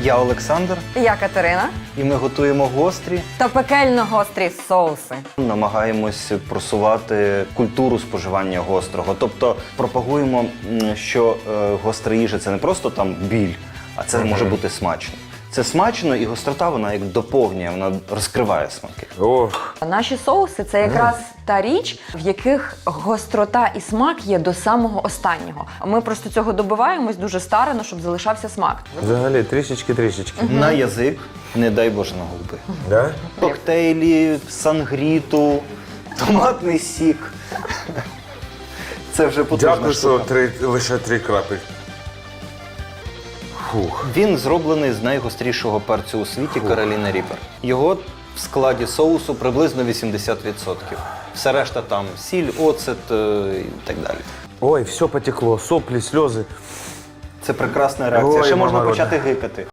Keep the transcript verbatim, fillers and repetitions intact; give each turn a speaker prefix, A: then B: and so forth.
A: Я Олександр,
B: Я Катерина.
A: і ми готуємо гострі.
B: Та пекельно гострі соуси.
A: Намагаємось просувати культуру споживання гострого. Тобто пропагуємо, м, що е, гостра їжа – це не просто там біль, а це може бути смачно. Це смачно, і гострота, вона як доповнює, вона розкриває смаки.
C: Ох,
B: Наші соуси – це якраз та річ, в яких гострота і смак є до самого останнього. Ми просто цього добиваємось дуже старано, щоб залишався смак.
C: взагалі трішечки-трішечки.
A: На язик, не дай Боже, на губи.
C: Да?
A: Коктейлі, сангріту, томатний сік. Це вже потужна
C: Дякую, що
A: штука.
C: три, лише три крапель. Фух.
A: Він зроблений з найгострішого перцю у світі Кароліна Ріпер. Його в складі соусу приблизно вісімдесят відсотків. Все решта там сіль, оцет е, і так далі.
C: Ой, все потекло, соплі, сльози.
A: Це прекрасна реакція.
C: Ой,
A: Ще можна
C: мама
A: почати гикати.